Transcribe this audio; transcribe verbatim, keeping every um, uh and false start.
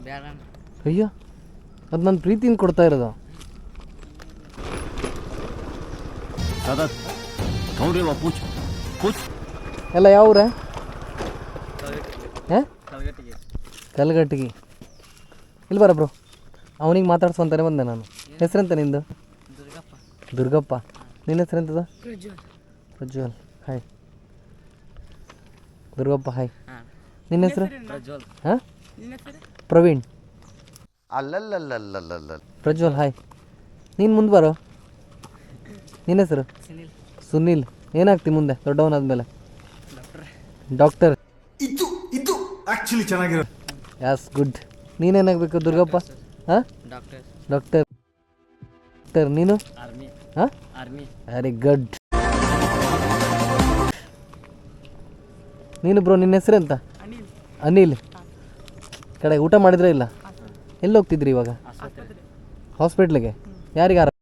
ಅಯ್ಯೋ ಅದು ನನ್ನ ಪ್ರೀತಿಯಿಂದ ಕೊಡ್ತಾ ಇರೋದು. ಎಲ್ಲ ಯಾವ ಊರ? ಹಾಂ ಕಲ್ಗಟ್ಟಿಗೆ. ಇಲ್ಲಿ ಬರ ಬ್ರೋ, ಅವನಿಗೆ ಮಾತಾಡ್ಸೋಂತಾನೆ ಬಂದೆ ನಾನು. ಹೆಸರೆಂತ ನಿಂದು? ದುರ್ಗಪ್ಪ. ನಿನ್ನ ಹೆಸರೆಂತದ? ಪ್ರಜ್ವಲ್. ಹಾಯ್ ದುರ್ಗಪ್ಪ. ಹಾಯ್. ನಿನ್ನ ಹೆಸರು? ಹಾಂ ಪ್ರವೀಣ್. ಅಲ್ಲಲ್ಲಲ್ಲಲ್ಲಲ್ಲ ಪ್ರಜ್ವಲ್. ಹಾಯ್. ನೀನು ಮುಂದೆ ಬರೋ. ನಿನ್ನ ಹೆಸರು? ಸುನಿಲ್. ಏನಾಗ್ತಿ ಮುಂದೆ ದೊಡ್ಡವನಾದ್ಮೇಲೆ? ಡಾಕ್ಟರ್. ಇದು ಇದು ಆಕ್ಚುಲಿ ಚೆನ್ನಾಗಿರೋ. Yes good. ನೀನೇನಾಗಬೇಕು ದುರ್ಗಪ್ಪ? ಹಾಂ ಡಾಕ್ಟರ್. ಡಾಕ್ಟರ್. ನೀನು? ಹಾಂ ವೆರಿ ಗುಡ್. ನೀನು ಬ್ರೋ, ನಿನ್ನ ಹೆಸರು ಎಂತ? ಅನಿಲ್. ಕಡೆ ಊಟ ಮಾಡಿದ್ರೆ ಇಲ್ಲ? ಎಲ್ಲಿ ಹೋಗ್ತಿದ್ರಿ ಇವಾಗ? ಹಾಸ್ಪಿಟ್ಲಿಗೆ. ಯಾರಿಗೆ?